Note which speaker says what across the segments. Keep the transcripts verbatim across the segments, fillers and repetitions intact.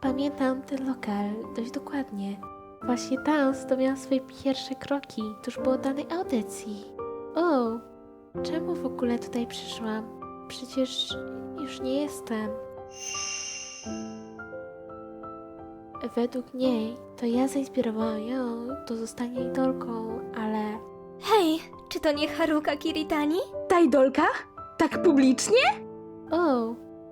Speaker 1: Pamiętam ten lokal dość dokładnie. Właśnie tam stawiałam swoje pierwsze kroki tuż po danej audycji. O, czemu w ogóle tutaj przyszłam? Przecież już nie jestem. Według niej to ja zainspirowałam ją do zostania idolką, ale...
Speaker 2: Hej, czy to nie Haruka Kiritani?
Speaker 3: Ta idolka? Tak publicznie?
Speaker 1: O!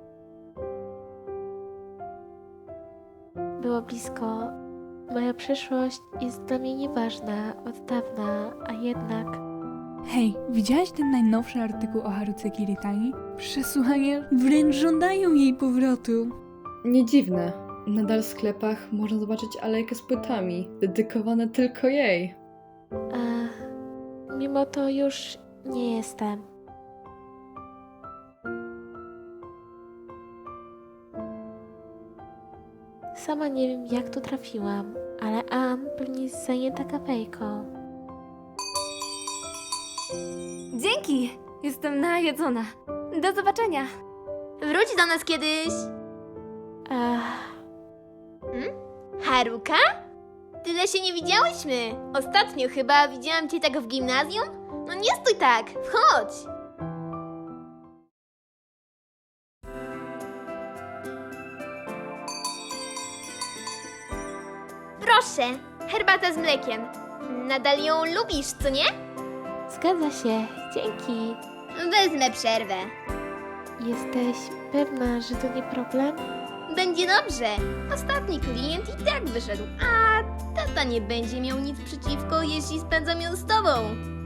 Speaker 1: Było blisko. Moja przyszłość jest dla mnie nieważna od dawna, a jednak...
Speaker 4: Hej, widziałaś ten najnowszy artykuł o Haruce Kiritani? Przesłuchania wręcz żądają jej powrotu.
Speaker 5: Nie dziwne. Nadal w sklepach można zobaczyć alejkę z płytami, dedykowane tylko jej.
Speaker 1: A, mimo to już nie jestem. Sama nie wiem, jak tu trafiłam, ale Ann pewnie jest zajęta kawejką.
Speaker 2: Dzięki! Jestem najedzona. Do zobaczenia. Wróć do nas kiedyś.
Speaker 1: Ach,
Speaker 6: Haruka? Tyle się nie widziałyśmy. Ostatnio chyba widziałam cię tak w gimnazjum? No nie stój tak, wchodź. Proszę, herbata z mlekiem. Nadal ją lubisz, co nie?
Speaker 1: zgadza się, dzięki.
Speaker 6: Wezmę przerwę.
Speaker 1: Jesteś pewna, że to nie problem?
Speaker 6: Będzie dobrze. Ostatni klient i tak wyszedł, a tata nie będzie miał nic przeciwko, jeśli spędzam ją z tobą.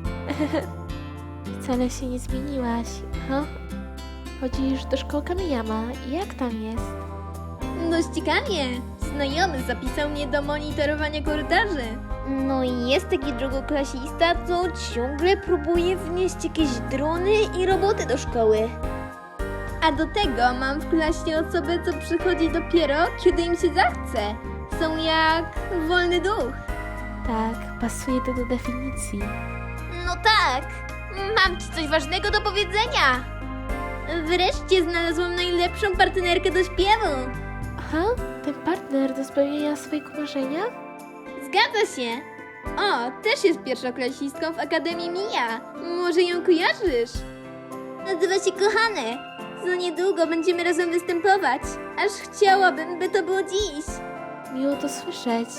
Speaker 1: Wcale się nie zmieniłaś, ha? Chodzisz do szkoły Kamiyama, jak tam jest?
Speaker 6: Dość ciekawie. Znajomy zapisał mnie do monitorowania korytarzy. No i jest taki drugoklasista, co ciągle próbuje wnieść jakieś drony i roboty do szkoły. A do tego mam w klasie osobę, co przychodzi dopiero, kiedy im się zachce. Są jak wolny duch.
Speaker 1: Tak, pasuje to do definicji.
Speaker 6: No tak, mam ci coś ważnego do powiedzenia. Wreszcie znalazłam najlepszą partnerkę do śpiewu.
Speaker 1: Aha, ten partner do spełnienia swojego marzenia?
Speaker 6: Zgadza się. O, też jest pierwszoklasistką w Akademii Mija. Może ją kojarzysz? Nazywa się Kochane. Za niedługo będziemy razem występować. Aż chciałabym, by to było dziś.
Speaker 1: Miło to słyszeć.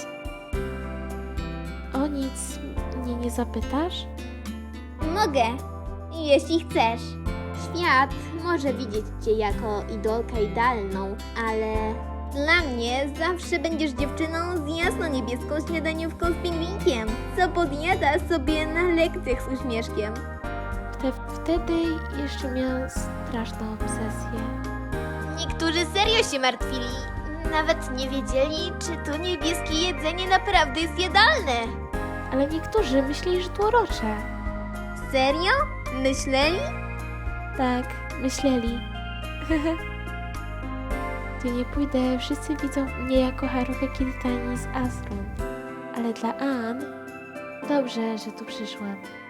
Speaker 1: O nic mnie nie zapytasz?
Speaker 6: Mogę, jeśli chcesz. Świat może widzieć cię jako idolkę idealną, ale dla mnie zawsze będziesz dziewczyną z jasno-niebieską śniadaniówką z pingwinkiem, co podjada sobie na lekcjach z uśmieszkiem.
Speaker 1: Wte, wtedy jeszcze miałam straszną obsesję.
Speaker 6: Niektórzy serio się martwili. Nawet nie wiedzieli, czy to niebieskie jedzenie naprawdę jest jadalne.
Speaker 1: Ale niektórzy myśleli, że to urocze.
Speaker 6: Serio? Myśleli?
Speaker 1: Tak, myśleli. Gdzie nie pójdę, wszyscy widzą mnie jako Haruka Kiritani z Asrun. Ale dla Ann dobrze, że tu przyszłam.